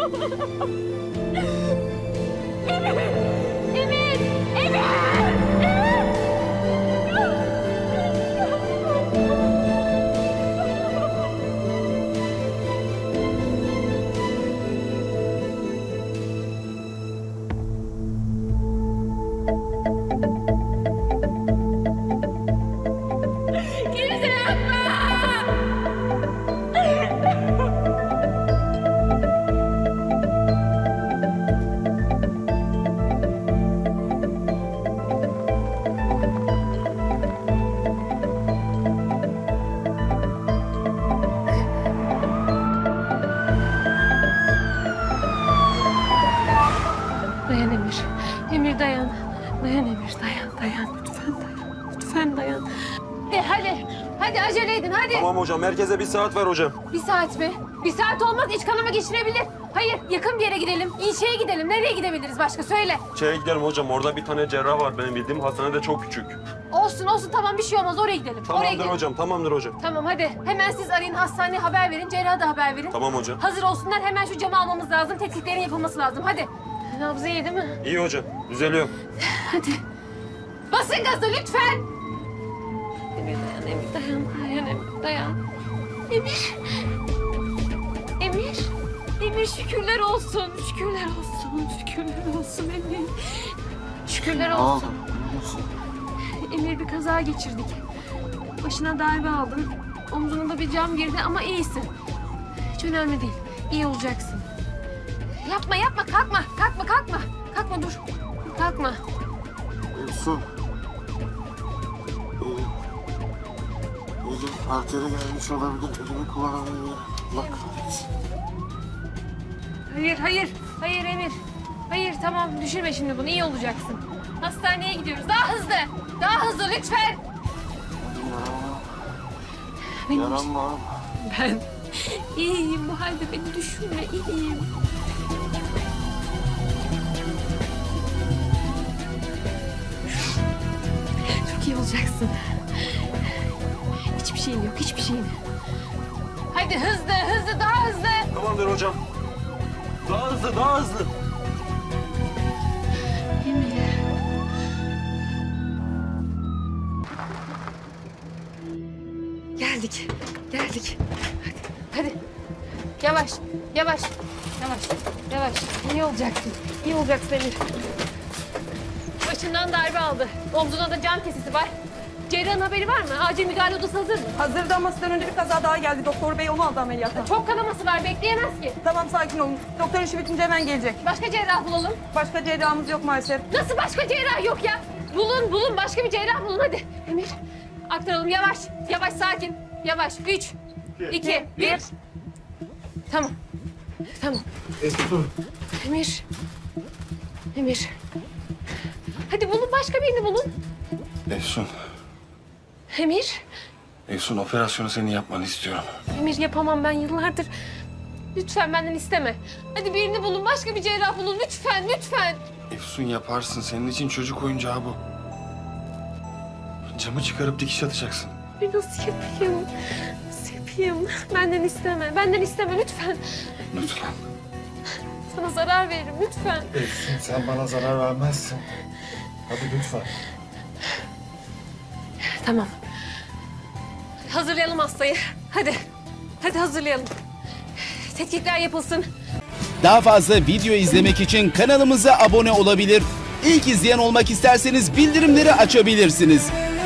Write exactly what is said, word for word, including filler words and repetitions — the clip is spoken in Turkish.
Emir! Emir! Kimse yapma! Dayan Emir. Emir dayan. Dayan Emir dayan dayan. Lütfen dayan. Lütfen dayan. De, hadi. Hadi acele edin hadi. Tamam hocam, merkeze bir saat ver hocam. Bir saat mi? Bir saat olmaz, iç kanama geçirebilir. Hayır, yakın bir yere gidelim. İlçeye gidelim. Nereye gidebiliriz başka? Söyle. Şeye gidelim hocam, orada bir tane cerrah var benim bildiğim. Hastane de çok küçük. Olsun olsun, tamam bir şey olmaz. Oraya gidelim. Oraya Tamamdır gidelim. hocam, tamamdır hocam. Tamam hadi. Hemen siz arayın, hastaneye haber verin. Cerraha da haber verin. Tamam hocam. Hazır olsunlar. Hemen şu camı almamız lazım. Tetkiklerin yapılması lazım. Hadi. Nabzı iyi değil mi? İyi hocam, düzeliyor. Hadi. Basın gazı lütfen. Emir dayan, Emir dayan. Dayan Emir, dayan. Emir. Emir. Emir şükürler olsun. Şükürler olsun. Şükürler olsun Emir. Şükürler olsun. Emir bir kaza geçirdik. Başına darbe aldın. Omzuna da bir cam girdi ama iyisin. Hiç önemli değil. İyi olacaksın. Yapma yapma kalkma. Kalkma kalkma. Kalkma dur. Kalkma. Efsun. Elim. Elim artere gelmiş olabilir. Elimi kullanamıyorum. Allah kahretsin. Hayır hayır. Hayır Emir. Hayır tamam düşürme şimdi bunu. İyi olacaksın. Hastaneye gidiyoruz. Daha hızlı. Daha hızlı lütfen. Yaram var. Yaram var. Ben iyiyim. Bu halde beni düşünme. İyiyim. Çok iyi olacaksın. Hiçbir şeyin yok. Hiçbir şeyin. Hadi hızlı hızlı daha hızlı. Tamamdır hocam. Daha hızlı, daha hızlı. Emir. Geldik. Geldik. Hadi. Hadi. Yavaş. Yavaş. Yavaş. Yavaş. İyi olacaksın. İyi olacaksın Emir. Başından darbe aldı. Omzuna da cam kesisi var. Cerrahın haberi var mı? Acil müdahale odası hazır mı? Hazırdı ama sizden önce bir kaza daha geldi. Doktor bey onu aldı ameliyata. Çok kanaması var. Bekleyemez ki. Tamam sakin olun. Doktor işi bitince hemen gelecek. Başka cerrah bulalım. Başka cerrahımız yok maalesef. Nasıl başka cerrah yok ya? Bulun, bulun. Başka bir cerrah bulun hadi. Emir, aktaralım. Yavaş, yavaş, sakin. Yavaş. Üç, iki, bir. Tamam. Tamam. Emir. Emir. Hadi bulun, başka birini bulun. Efsun. Emir. Efsun operasyonu senin yapmanı istiyorum. Emir yapamam ben yıllardır. Lütfen benden isteme. Hadi birini bulun, başka bir cerrah bulun. Lütfen, lütfen. Efsun yaparsın. Senin için çocuk oyuncağı bu. Camı çıkarıp dikiş atacaksın. Bir nasıl yapayım? Nasıl yapayım? Benden isteme, benden isteme lütfen. Lütfen. Sana zarar veririm lütfen. Efsun sen bana zarar vermezsin. Hadi lütfen. Tamam. Hazırlayalım hastayı. Hadi. Hadi hazırlayalım. Tetkikler yapılsın. Daha fazla video izlemek için kanalımıza abone olabilir. İlk izleyen olmak isterseniz bildirimleri açabilirsiniz.